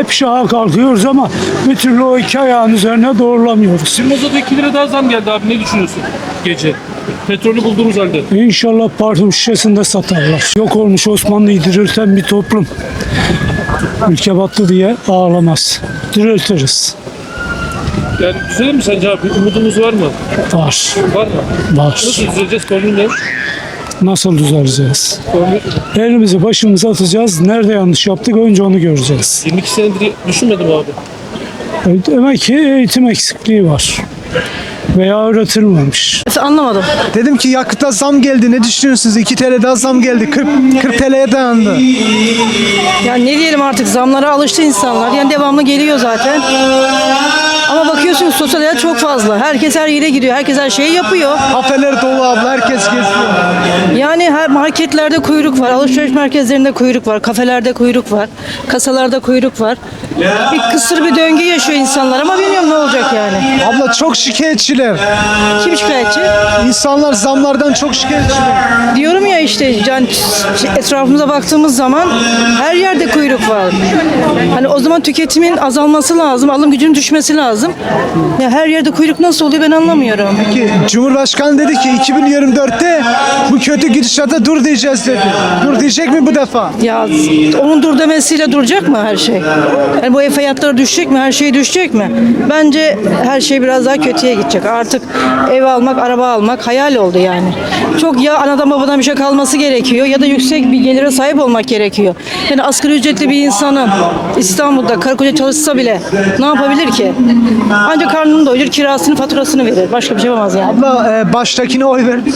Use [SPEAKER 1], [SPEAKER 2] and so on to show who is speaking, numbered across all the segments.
[SPEAKER 1] hep ayağa kalkıyoruz ama bir türlü o iki ayağın üzerine doğrulamıyoruz.
[SPEAKER 2] Şimdi mazota 2 lira daha zam geldi abi. Ne düşünüyorsun gece? Petrolü bulduğumuz halde.
[SPEAKER 1] İnşallah parfüm şişesinde satarlar. Yok olmuş Osmanlı'yı dirilten bir toplum. Ülke battı diye ağlamaz. Diriltiriz.
[SPEAKER 2] Yani düzelir mi sence abi? Umudumuz var mı?
[SPEAKER 1] Var.
[SPEAKER 2] Var mı?
[SPEAKER 1] Var.
[SPEAKER 2] Nasıl düzeleceğiz? Formül ne?
[SPEAKER 1] Nasıl düzeleceğiz?
[SPEAKER 2] Formül
[SPEAKER 1] Elimizi başımıza atacağız. Nerede yanlış yaptık önce onu göreceğiz.
[SPEAKER 2] 22 senedir düşünmedim abi.
[SPEAKER 1] Demek ki eğitim eksikliği var. Veya öğretilmemiş.
[SPEAKER 3] Anlamadım.
[SPEAKER 4] Dedim ki yakıta zam geldi. Ne düşünüyorsunuz? 2 TL daha zam geldi. 40 TL'ye dayandı.
[SPEAKER 3] Yani ne diyelim artık zamlara alıştı insanlar. Yani devamlı geliyor zaten. Ama bakıyorsunuz sosyal hayat çok fazla. Herkes her yere gidiyor. Herkes her şeyi yapıyor.
[SPEAKER 4] Kafeler dolu abla. Herkes geziyor.
[SPEAKER 3] Yani her marketlerde kuyruk var. Alışveriş merkezlerinde kuyruk var. Kafelerde kuyruk var. Kasalarda kuyruk var. Bir kısır bir döngü yaşıyor insanlar ama bilmiyorum ne olacak yani.
[SPEAKER 4] Abla çok şikayetçiler.
[SPEAKER 3] Kim şikayetçi?
[SPEAKER 4] İnsanlar zamlardan çok şikayetçiler.
[SPEAKER 3] Diyorum ya işte yani etrafımıza baktığımız zaman her yerde kuyruk var. Hani o zaman tüketimin azalması lazım, alım gücünün düşmesi lazım. Ya her yerde kuyruk nasıl oluyor ben anlamıyorum.
[SPEAKER 4] Ki Cumhurbaşkanı dedi ki 2024'te bu kötü gidişata dur diyeceğiz dedi. Dur diyecek mi bu defa?
[SPEAKER 3] Ya onun dur demesiyle duracak mı her şey? Yani bu ev fiyatları düşecek mi? Her şey düşecek mi? Bence her şey biraz daha kötüye gidecek. Artık ev almak, araba almak hayal oldu yani. Çok ya anadan babadan bir şey kalması gerekiyor ya da yüksek bir gelire sahip olmak gerekiyor. Yani asgari ücretli bir insanın İstanbul'da karı koca çalışsa bile ne yapabilir ki? Ancak karnını doyurur, kirasını, faturasını verir. Başka bir şey yapamaz yani.
[SPEAKER 4] Abla baştakine oy verdi.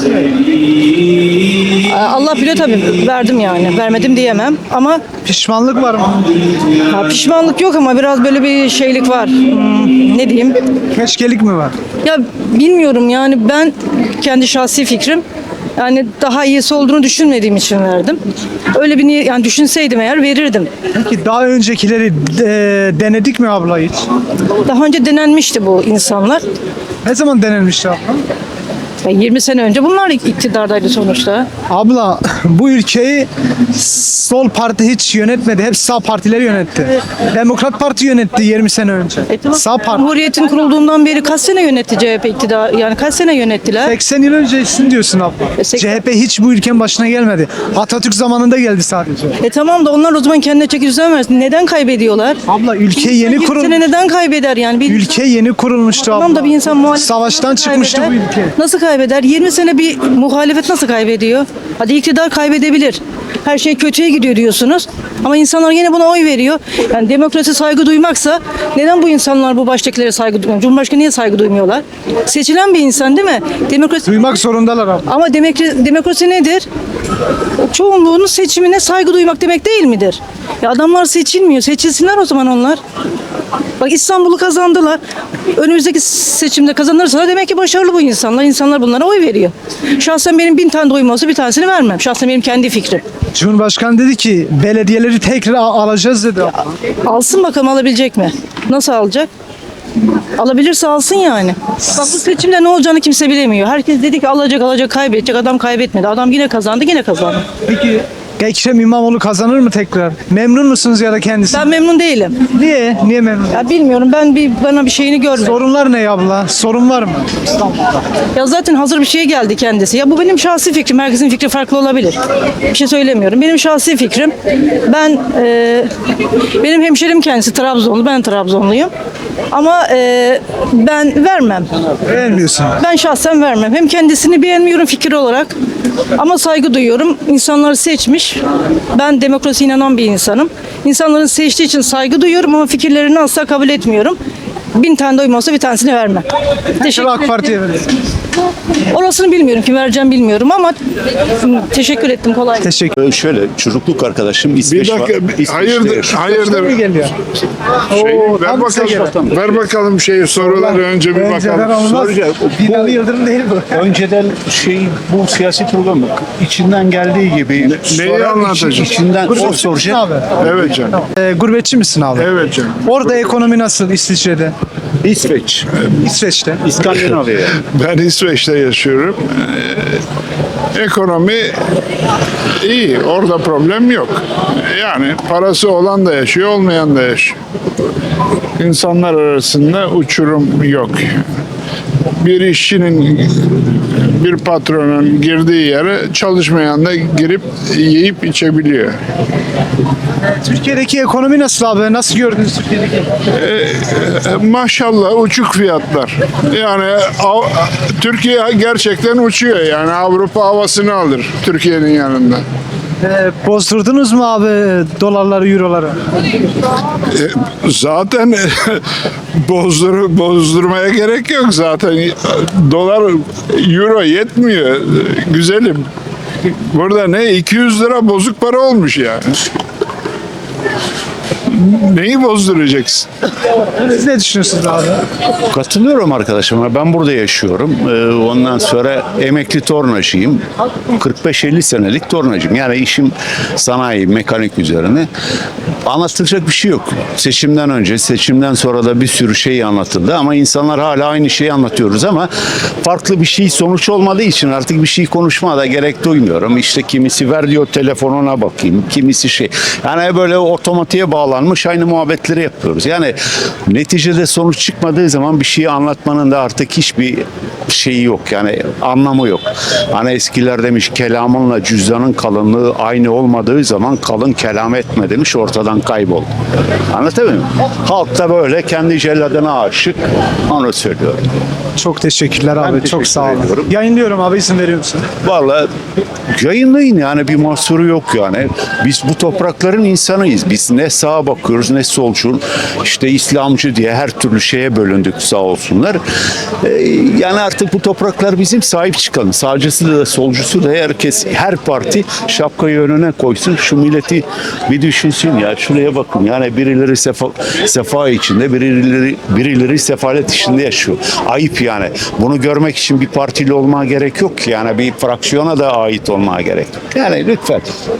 [SPEAKER 3] Allah biliyor tabii verdim yani. Vermedim diyemem ama
[SPEAKER 4] Pişmanlık var mı?
[SPEAKER 3] pişmanlık yok ama biraz böyle bir şeylik var. Ne diyeyim?
[SPEAKER 4] Keşkelik mi var?
[SPEAKER 3] Ya bilmiyorum yani ben kendi şahsi fikrim yani daha iyisi olduğunu düşünmediğim için verdim. Öyle bir yani düşünseydim eğer verirdim.
[SPEAKER 4] Peki daha öncekileri denedik mi abla hiç?
[SPEAKER 3] Daha önce denenmişti bu insanlar.
[SPEAKER 4] Ne zaman denenmişti abla?
[SPEAKER 3] Ya 20 sene önce bunlar iktidardaydı sonuçta.
[SPEAKER 4] Abla bu ülkeyi sol parti hiç yönetmedi. Hep sağ partiler yönetti. Demokrat Parti yönetti 20 sene önce.
[SPEAKER 3] Tamam.
[SPEAKER 4] Sağ parti.
[SPEAKER 3] Cumhuriyetin kurulduğundan beri kaç sene yönetti CHP iktidar? Yani kaç sene yönettiler?
[SPEAKER 4] 80 yıl öncesin diyorsun abla.
[SPEAKER 3] 80
[SPEAKER 4] CHP hiç bu ülkenin başına gelmedi. Atatürk zamanında geldi sadece.
[SPEAKER 3] Tamam da onlar o zaman kendine çeki düzen versin. Neden kaybediyorlar?
[SPEAKER 4] Abla ülke yeni
[SPEAKER 3] 20
[SPEAKER 4] kurulmuş.
[SPEAKER 3] sene neden kaybeder yani? Bir
[SPEAKER 4] Ülke yeni kurulmuştu abla.
[SPEAKER 3] Tamam da bir insan muhalefet
[SPEAKER 4] Savaştan
[SPEAKER 3] nasıl
[SPEAKER 4] çıkmıştı bu
[SPEAKER 3] kaybeder?
[SPEAKER 4] ülke.
[SPEAKER 3] Nasıl kaybeder? 20 sene bir muhalefet nasıl kaybediyor? Hadi iktidar kaybedebilir. Her şey kötüye gidiyor diyorsunuz. Ama insanlar yine buna oy veriyor. Yani demokrasi saygı duymaksa neden bu insanlar bu baştakilere saygı duymuyor? Cumhurbaşkanı niye saygı duymuyorlar? Seçilen bir insan değil mi? Demokrasi
[SPEAKER 4] Duymak zorundalar abla.
[SPEAKER 3] ama demokrasi nedir? Çoğunluğunun seçimine saygı duymak demek değil midir? Ya adamlar seçilmiyor. Seçilsinler o zaman onlar. Bak İstanbul'u kazandılar. Önümüzdeki seçimde kazanırsa demek ki başarılı bu insanlar. İnsanlar bunlara oy veriyor. Şahsen benim 1000 tane de oyum olsa bir tanesini vermem. Şahsen benim kendi fikrim.
[SPEAKER 4] Cumhurbaşkanı dedi ki belediyeleri tekrar alacağız dedi abla.
[SPEAKER 3] Alsın bakalım alabilecek mi? Nasıl alacak? Alabilirse alsın yani. Bak bu seçimde ne olacağını kimse bilemiyor. Herkes dedi ki alacak kaybedecek. Adam kaybetmedi. Adam yine kazandı.
[SPEAKER 4] Peki Ekrem İmamoğlu kazanır mı tekrar? Memnun musunuz ya da kendisi?
[SPEAKER 3] Ben memnun değilim.
[SPEAKER 4] Niye? Niye memnun?
[SPEAKER 3] Ya bilmiyorum bana bir şeyini görmedim.
[SPEAKER 4] Sorunlar ne abla? Sorun var mı?
[SPEAKER 3] Ya zaten hazır bir şey geldi kendisi. Ya bu benim şahsi fikrim. Herkesin fikri farklı olabilir. Bir şey söylemiyorum. Benim şahsi fikrim. Benim hemşerim kendisi Trabzonlu. Ben Trabzonluyum. Ama ben vermem.
[SPEAKER 4] Beğenmiyorsun.
[SPEAKER 3] Ben şahsen vermem. Hem kendisini beğenmiyorum fikir olarak. Ama saygı duyuyorum. İnsanları seçmiş. Ben demokrasiye inanan bir insanım. İnsanların seçtiği için saygı duyuyorum ama fikirlerini asla kabul etmiyorum. 1000 tane de oyum olsa bir tanesini vermem. Teşekkür
[SPEAKER 4] AK Parti'ye verin.
[SPEAKER 3] Orasını bilmiyorum, kim vereceğim bilmiyorum ama teşekkür ettim, kolay gelsin.
[SPEAKER 4] Teşekkür.
[SPEAKER 5] Şöyle çocukluk arkadaşım
[SPEAKER 6] Bir
[SPEAKER 5] İsveç
[SPEAKER 6] dakika,
[SPEAKER 5] İsveç'te
[SPEAKER 6] hayırdır,
[SPEAKER 5] yaşıyor.
[SPEAKER 6] hayırdır.
[SPEAKER 4] Mi geliyor?
[SPEAKER 6] Ver
[SPEAKER 4] tam size
[SPEAKER 6] bakalım, ver bakalım soruları önce bir
[SPEAKER 4] Önceden
[SPEAKER 6] bakalım.
[SPEAKER 4] olmaz.
[SPEAKER 5] Soracağım.
[SPEAKER 4] Binali Yıldırım değil bu.
[SPEAKER 5] Önceden bu siyasi program içinden geldiği gibi
[SPEAKER 6] Neyi anlatacak?
[SPEAKER 5] içinden o
[SPEAKER 4] Abi.
[SPEAKER 5] soracak.
[SPEAKER 6] Evet canım,
[SPEAKER 4] Gurbetçi misin abi?
[SPEAKER 6] evet canım.
[SPEAKER 4] Orada ekonomi nasıl İsviçre'de?
[SPEAKER 5] İsveç.
[SPEAKER 4] İsveç'te.
[SPEAKER 5] İskandinavya.
[SPEAKER 6] Ben İsveç'te yaşıyorum. Ekonomi iyi. Orada problem yok. Yani parası olan da yaşıyor, olmayan da yaşıyor. İnsanlar arasında uçurum yok. Bir işçinin, bir patronun girdiği yere çalışmayan da girip yiyip içebiliyor.
[SPEAKER 4] Türkiye'deki ekonomi nasıl abi? Nasıl gördünüz Türkiye'deki?
[SPEAKER 6] Maşallah uçuk fiyatlar. Yani Türkiye gerçekten uçuyor. Yani Avrupa havasını alır Türkiye'nin yanında.
[SPEAKER 4] Bozdurdunuz mu abi dolarları, euroları?
[SPEAKER 6] Zaten bozdurmaya gerek yok zaten. Dolar, euro yetmiyor. Güzelim. Burada ne 200 lira bozuk para olmuş yani. Neyi bozduracaksın?
[SPEAKER 4] Siz ne düşünüyorsunuz abi?
[SPEAKER 7] Katılıyorum arkadaşıma. Ben burada yaşıyorum. Ondan sonra emekli tornacıyım. 45-50 senelik tornacıyım. Yani işim sanayi, mekanik üzerine. Anlatılacak bir şey yok. Seçimden önce, seçimden sonra da bir sürü şey anlatıldı ama insanlar hala aynı şeyi anlatıyoruz ama farklı bir şey sonuç olmadığı için artık bir şey konuşmaya da gerek duymuyorum. İşte kimisi ver diyor telefonuna bakayım, kimisi şey. Yani böyle otomatiğe bağlanmış aynı muhabbetleri yapıyoruz. Yani neticede sonuç çıkmadığı zaman bir şeyi anlatmanın da artık hiçbir şeyi yok. Yani anlamı yok. Hani eskiler demiş kelamınla cüzdanın kalınlığı aynı olmadığı zaman kalın kelam etme demiş, ortadan kaybol. Anlatabiliyor muyum? Halk da böyle kendi celladına aşık, onu söylüyorum.
[SPEAKER 4] Çok teşekkürler abi. Çok
[SPEAKER 7] teşekkür
[SPEAKER 4] sağ olun.
[SPEAKER 7] ediyorum.
[SPEAKER 4] Yayınlıyorum abi, izin veriyor musun?
[SPEAKER 7] Vallahi yayınlayın, yani bir mahsuru yok yani. Biz bu toprakların insanıyız. Biz ne sağa bakıyoruz ne solcu, işte İslamcı diye her türlü şeye bölündük sağ olsunlar. Yani artık bu topraklar bizim, sahip çıkalım. Sağcısı da solcusu da herkes, her parti şapkayı önüne koysun. Şu milleti bir düşünsün ya. Şuraya bakın yani birileri sefa içinde, birileri sefalet içinde yaşıyor. Ayıp yani. Bunu görmek için bir partili olmaya gerek yok ki. Yani bir fraksiyona da ait olmaya gerek yok. Yani lütfen.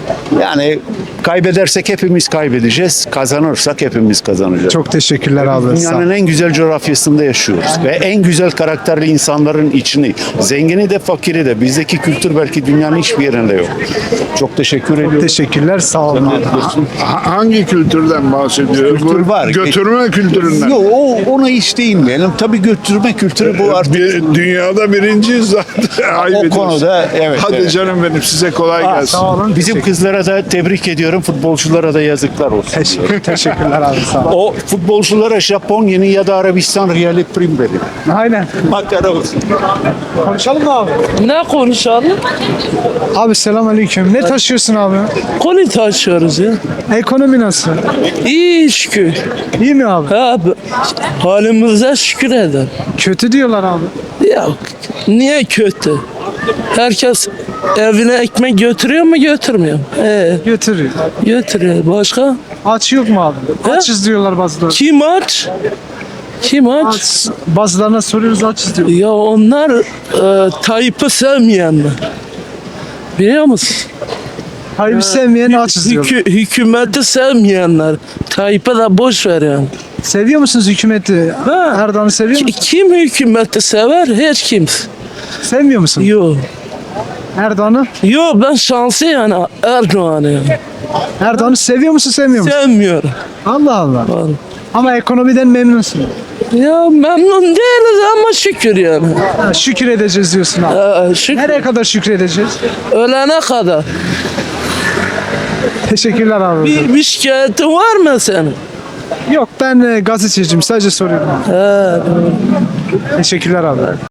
[SPEAKER 7] Yani kaybedersek hepimiz kaybedeceğiz. Kazanırsak hepimiz kazanacağız.
[SPEAKER 4] Çok teşekkürler abi. Sağ
[SPEAKER 7] Dünyanın en güzel coğrafyasında yaşıyoruz ve en güzel karakterli insanların içini, zengini de fakiri de, bizdeki kültür belki dünyanın hiçbir yerinde yok. Çok teşekkür ediyorum.
[SPEAKER 4] Teşekkürler. Sağ olun abi.
[SPEAKER 6] Hangi kültürden bahsediyor?
[SPEAKER 7] Kültür
[SPEAKER 6] Bu
[SPEAKER 7] var.
[SPEAKER 6] Götürme kültüründen.
[SPEAKER 7] Yok, ona hiç değinmeyelim. Tabii götürme kültürü bu artık.
[SPEAKER 6] Dünyada birinciyiz zaten. Ayıp
[SPEAKER 7] O
[SPEAKER 6] ediyorsun.
[SPEAKER 7] konuda evet.
[SPEAKER 6] Hadi
[SPEAKER 7] evet.
[SPEAKER 6] canım benim, size kolay gelsin.
[SPEAKER 4] Sağ olun.
[SPEAKER 7] Bizim kızlara da tebrik ediyorum. Futbolculara da yazıklar olsun.
[SPEAKER 4] Teşekkürler abi. Sağ olun.
[SPEAKER 7] O futbolculara Japonya'nın ya da Arabistan riyali prim verin.
[SPEAKER 4] Aynen.
[SPEAKER 7] Makara olsun.
[SPEAKER 4] Konuşalım mı abi?
[SPEAKER 8] Ne konuşalım?
[SPEAKER 4] Abi selamünaleyküm. Ne taşıyorsun abi?
[SPEAKER 8] Konu taşıyoruz ya.
[SPEAKER 4] Ekonomi nasıl?
[SPEAKER 8] İyi şükür.
[SPEAKER 4] İyi mi abi?
[SPEAKER 8] Ha, halimize şükür eder.
[SPEAKER 4] Kötü diyorlar abi.
[SPEAKER 8] Ya niye kötü? Herkes evine ekmek götürüyor mu götürmüyor mu?
[SPEAKER 4] Götürüyor.
[SPEAKER 8] Götürüyor. Başka?
[SPEAKER 4] Aç yok mu abi? Açız diyorlar bazıları.
[SPEAKER 8] Kim aç? Kim aç?
[SPEAKER 4] Aç. Bazılarına soruyoruz, açız diyor.
[SPEAKER 8] Ya onlar Tayyip'i sevmeyenler. Biliyor musun?
[SPEAKER 4] Hayır, sevmeyen açız diyor.
[SPEAKER 8] Hükümeti sevmeyenler. Tayyip'e de boş ver yani.
[SPEAKER 4] Seviyor musunuz hükümeti?
[SPEAKER 8] Ha.
[SPEAKER 4] Erdoğan'ı seviyor musunuz?
[SPEAKER 8] Kim hükümeti sever? Hiç kimse.
[SPEAKER 4] Sevmiyor musun?
[SPEAKER 8] Yok.
[SPEAKER 4] Erdoğan'ı?
[SPEAKER 8] Yok, ben şanslı yani Erdoğan'ı yani.
[SPEAKER 4] Erdoğan'ı seviyor musun, sevmiyor musun?
[SPEAKER 8] Sevmiyorum.
[SPEAKER 4] Allah Allah.
[SPEAKER 8] Vallahi.
[SPEAKER 4] Ama ekonomiden memnunsun.
[SPEAKER 8] Ya memnun değiliz ama şükür yani.
[SPEAKER 4] Ha, şükür edeceğiz diyorsun abi.
[SPEAKER 8] Şükür.
[SPEAKER 4] Nereye kadar şükredeceğiz?
[SPEAKER 8] Ölene kadar.
[SPEAKER 4] Teşekkürler abi.
[SPEAKER 8] Bir şikayetin var mı senin?
[SPEAKER 4] Yok, ben gazeteciyim, sadece soruyorum. Teşekkürler abi.